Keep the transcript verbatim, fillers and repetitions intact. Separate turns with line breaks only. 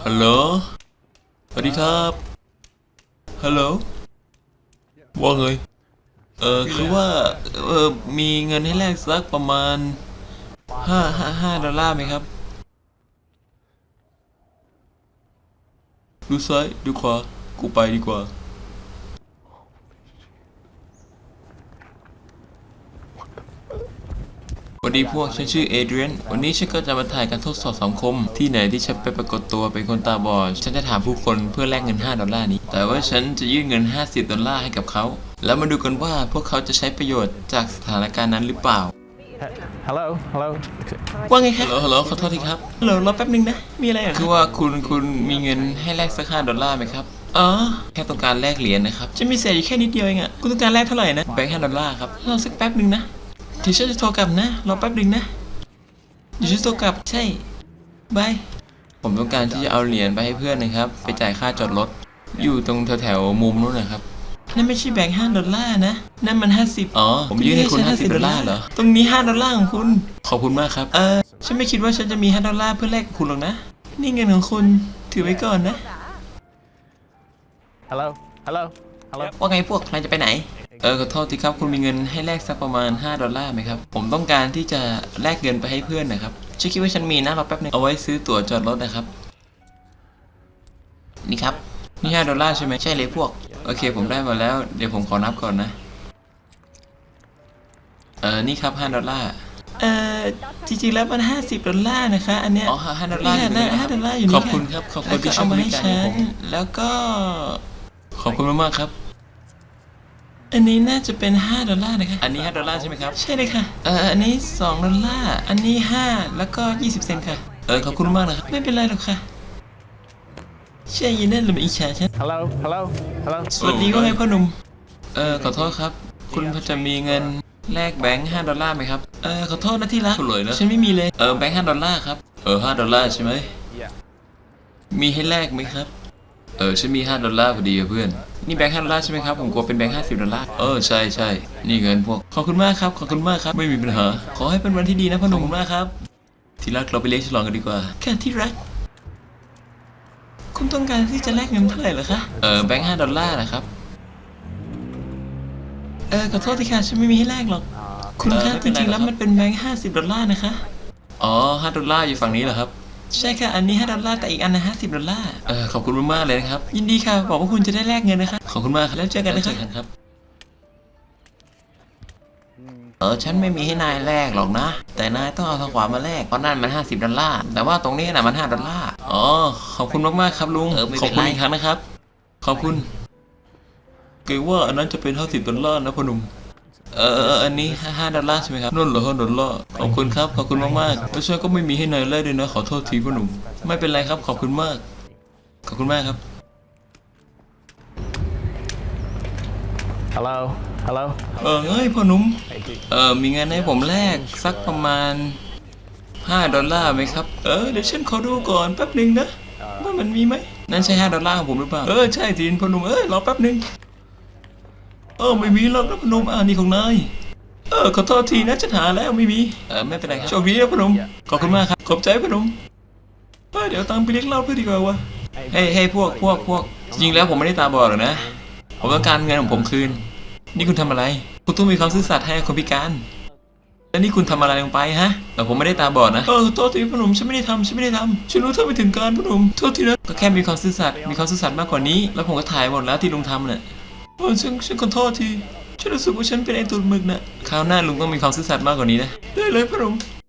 ฮัลโหลสวัสดีครับฮัลโหลว่าไงเออคือว่าเออมีเงินให้แลกสักประมาณห้าห้าห้าดอลลาร์ไหมครับดูซ้ายดูขวากูไปดีกว่าสวัสดีพวกฉันชื่อเอเดรียนวันนี้ฉันก็จะมาถ่ายการทดสอบสังคมที่ไหนที่ฉันไปปรากฏตัวเป็นคนตาบอดฉันจะถามผู้คนเพื่อแลกเงินห้าดอลลาร์นี้แต่ว่าฉันจะยื่นเงินห้าสิบดอลลาร์ให้กับเขาแล้วมาดูกันว่าพวกเขาจะใช้ประโยชน์จากสถานการณ์นั้นหรือเปล่า
Hello, hello.
ว่าไงครับฮัลโหลฮัลโหลขอโทษทีครับฮัลโหลรอแป๊บนึงนะมีอะไรอ่ะคือว่าคุณคุณมีเงินให้แลกสักห้าดอลลาร์ไหมครับอ๋อแค่ต้องการแลกเหรียญนะครับจะมีเศษอยู่แค่นิดเดียวเองอ่ะคุณต้องการแลกเท่าไหร่นะแบงค์ห้าดอลลาร์ครับรอสักแป๊บนึงนะเดี๋ยวฉันจะโทรกลับนะรอแป๊บนึงนะเดี๋ยวฉันโทรกลับใช่บายผมต้องการที่จะเอาเหรียญไปให้เพื่อนนะครับไปจ่ายค่าจอดรถอยู่ตรงแถวๆมุมนู้นนะครับนั่นไม่ใช่แบงค์ห้าดอลลาร์นะนั่นมันห้าสิบอ๋อผมยื่นให้คุณห้าสิบดอลลาร์เหรอตรงนี้ห้าดอลลาร์ของคุณขอบคุณมากครับเออฉันไม่คิดว่าฉันจะมีห้าดอลลาร์เพื่อแลกกับคุณหรอกนะนี่เงินของคุณถือไว้ก่อนนะ
Hello, hello, hello.
ว่าไงพวกนายจะไปไหนเออขอโทษทีครับคุณมีเงินให้แลกสักประมาณห้าดอลลาร์ไหมครับผมต้องการที่จะแลกเงินไปให้เพื่อนนะครับฉันคิดว่าฉันมีนะรอแป๊บนึงเอาไว้ซื้อตั๋วจอดรถนะครับนี่ครับนี่ห้าดอลลาร์ใช่ไหมใช่เลยพวกโอเคผมได้มาแล้วเดี๋ยวผมขอนับก่อนนะเออนี่ครับห้าดอลลาร์เออจริงๆแล้วมันห้าสิบดอลลาร์นะคะอันเนี้ยอ๋อห้าดอลลาร์อยู่นี่ห้าดอลลาร์อยู่นี่ขอบคุณครับขอบคุณที่ช่วยบริการผมแล้วก็ขอบคุณมากๆครับอันนี้น่าจะเป็นห้าดอลลาร์นะคะอันนี้ห้าดอลลาร์ใช่ไหมครับใช่เลยค่ะเอออันนี้สองดอลลาร์อันนี้ห้าแล้วก็ยี่สิบเซนต์ค่ะเออขอบคุณมากนะครับไม่เป็นไรหรอกค่ะใช่ยินดีเลยมาอิจฉาฉัน
Hello, hello, hello.
สวัสดีว่าไงพ่อหนุ่มเออขอโทษครับคุณพอจะมีเงินแลกแบงค์ห้าดอลลาร์ไหมครับเออขอโทษนะที่รักเลยนะฉันไม่มีเลยเออแบงค์ห้าดอลลาร์ครับเออห้าดอลลาร์ใช่ไหม
Yeah.
มีให้แลกไหมครับเออฉันมีห้าดอลลาร์พอดีเพื่อนนี่แบงค์ห้าดอลลาร์ใช่ไหมครับผมกลัวเป็นแบงค์ห้าสิบดอลลาร์เออใช่ใช่นี่เงินพวกขอบคุณมากครับขอบคุณมากครับไม่มีปัญหาขอให้เป็นวันที่ดีนะพ่อหนุ่มมากครับที่รักเราไปเลี้ยงฉลองกันดีกว่าแค่ที่รักคุณต้องการที่จะแลกเงินเท่าไหร่เหรอคะเออแบงค์ห้าดอลลาร์นะครับเออขอโทษทีค่ะฉันไม่มีให้แลกหรอกคุณคะจริงๆแล้วมันเป็นแบงค์ห้าสิบดอลลาร์นะคะอ๋อห้าดอลลาร์อยู่ฝั่งนี้เหรอครับใช่ค่ะอันนี้ห้าดอลลาร์แต่อีกอันนะห้าสิบดอลลาร์เออขอบคุณมากๆเลยนะครับยินดีค่ะบอกว่าคุณจะได้แลกเงินนะคะขอบคุณมากครับแล้วเจอกันนะครับเออฉันไม่มีให้นายแลกหรอกนะแต่นายต้องเอาทางขวามาแลกเพราะนั่นมันห้าสิบดอลลาร์แต่ว่าตรงนี้น่ะมันห้าดอลลาร์อ๋อขอบคุณมากๆครับลุงขอบคุณอีกครั้งนะครับขอบคุณเกรงว่าอันนั้นจะเป็นห้าสิบดอลลาร์นะพ่อหนุ่มเออเอออันนี้ห้าดอลลาร์ใช่ไหมครับนั่นเหรอห้าดอลลาร์ขอบคุณครับขอบคุณมากๆแล้วฉันก็ไม่มีให้นายแลกด้วยนะขอโทษทีพ่อหนุ่มไม่เป็นไรครับขอบคุณมากขอบคุณมากครับ
Hello, hello.
เออเฮ้ยพ่อหนุ่มเออมีเงินให้ผมแลกสักประมาณห้าดอลลาร์ไหมครับเออเดี๋ยวฉันขอดูก่อนแป๊บหนึ่งนะว่ามันมีไหมนั่นใช่ห้าดอลลาร์ของผมหรือเปล่าเออใช่ทีนพ่อหนุ่มเอ้ยรอแป๊บหนึ่งเออไม่มีหรอกนะพ่อหนุ่มอ่านี่ของนายเออขอโทษทีนะฉันหาแล้วไม่มีเออไม่เป็นไรครับโชคดีนะพ่อหนุ่มขอบคุณมากครับขอบใจพ่อหนุ่มเออเดี๋ยวตังไปเลี้ยงเหล้าเพื่อดีกว่าวะเฮ้ยเฮ้ยพวกพวกพวกจริงแล้วผมไม่ได้ตาบอดหรอกนะผมต้องการเงินของผมคืนนี่คุณทำอะไรคุณต้องมีความซื่อสัตย์ให้คนพิการแล้วนี่คุณทำอะไรลงไปฮะแต่ผมไม่ได้ตาบอดนะเออโทษทีพ่อหนุ่มฉันไม่ได้ทำฉันไม่ได้ทำฉันรู้เท่าไม่ถึงการพ่อหนุ่มโทษทีนะก็แค่มีความซื่อสัตย์มีความซื่อสัตย์มากกว่านี้แล้วผมก็ถ่ายหมดแล้วที่ลุงทำเนี่ยเออฉันฉันขอโทษทีฉันรู้สึกว่าฉันเป็นไอ้ตุ่นหมึกน่ะคราวหน้าลุงต้องมีความซื่อสัตย์มากกว่านี้นะได้เลยพ่อหนุ่ม